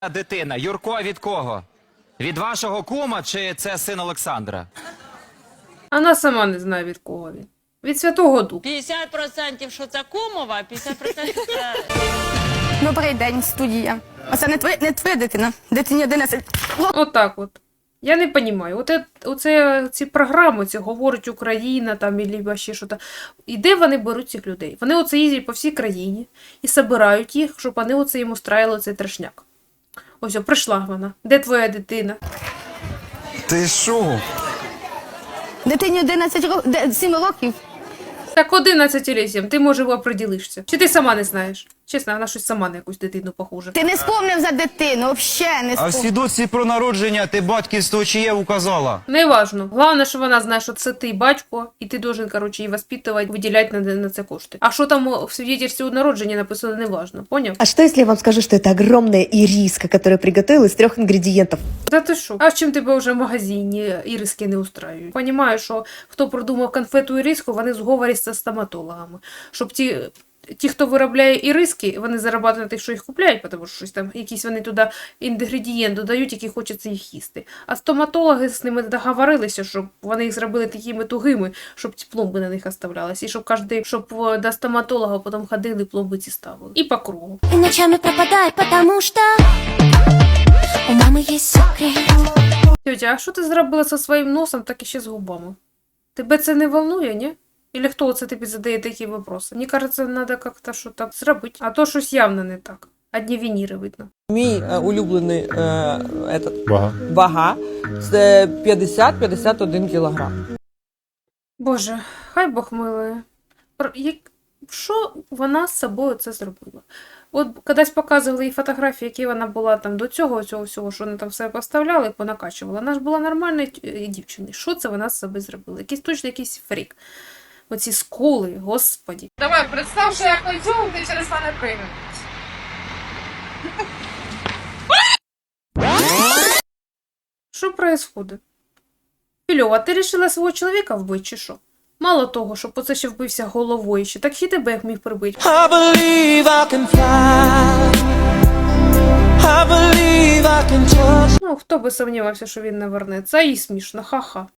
Дитина. Юрко від кого? Від вашого кума чи це син Олександра? Вона сама не знає, від кого він. Від Святого Духа. 50% що це кумова, 50% це... Добрий день, студія. Оце не твоя дитина. Дитині 11. Отак от. Я не розумію. Оце ці програми, ці говорить Україна там, і ще що-то. І де вони беруть цих людей? Вони оце їздять по всій країні і збирають їх, щоб вони оце їм устраїли цей трешняк. Ось, прийшла вона. Де твоя дитина? Ти що? Дитині 7 років. Так 11 лісім, ти, може, оприділишся. Чи ти сама не знаєш? Чесно, вона щось сама на якусь дитину похожа. Ти не спомнив за дитину, взагалі не А в спомнив. свідоцтві про народження ти батьківство чиє указала? Неважно. Головне, що вона знає, що це ти батько, і ти должен, короче, її воспитувати, виділяти на це кошти. А що там в свідетельстві у народженні написано, неважно. Поняв? А что, если я вам скажу, что это огромная ириска, которую приготовила из 3 ингредиентов? Та ти що? А в чим тебе вже в магазині іриски не устраюють? Понімаю, що хто продумав конфету іриску, вони в зговорі з стоматологами. Щоб ті, хто виробляє іриски, вони заробляють на тих, що їх купляють, тому що щось там, якісь вони туди інгредієнти додають, які хочеться їх їсти. А стоматологи з ними договорилися, щоб вони їх зробили такими тугими, щоб ці пломби на них оставлялись. І щоб до стоматолога потім ходили, пломби ці ставили. І по кругу. И ночами пропадает, потому что у мамы есть секрет. Тетя, а що ти зробила зі своїм носом, так і ще з губами? Тебе це не волнує, ні? Или хто це тобі задає такі вопроси? Мені кажется, треба як-то що так зробити. А то щось явно не так. Одні вініри видно. Мій улюблений вага це 50-51 кілограм. Боже, хай Бог милує. Що вона з собою це зробила? От кудись показували їй фотографії, які вона була там до цього всього, що вони там все поставляли, понакачувала. Вона ж була нормальною дівчиною. Що це вона з собою зробила? Якийсь фрік. Оці скули, господі. Давай, представ, що як кольцював, ти через мене приймеш. Що происходит? Фільова, ти рішила свого чоловіка вбити, чи що? Мало того, що по це ще вбився головою ще, так і тебе як міг прибити. Ну, хто би сумнівався, що він не вернеться, і смішно, ха-ха.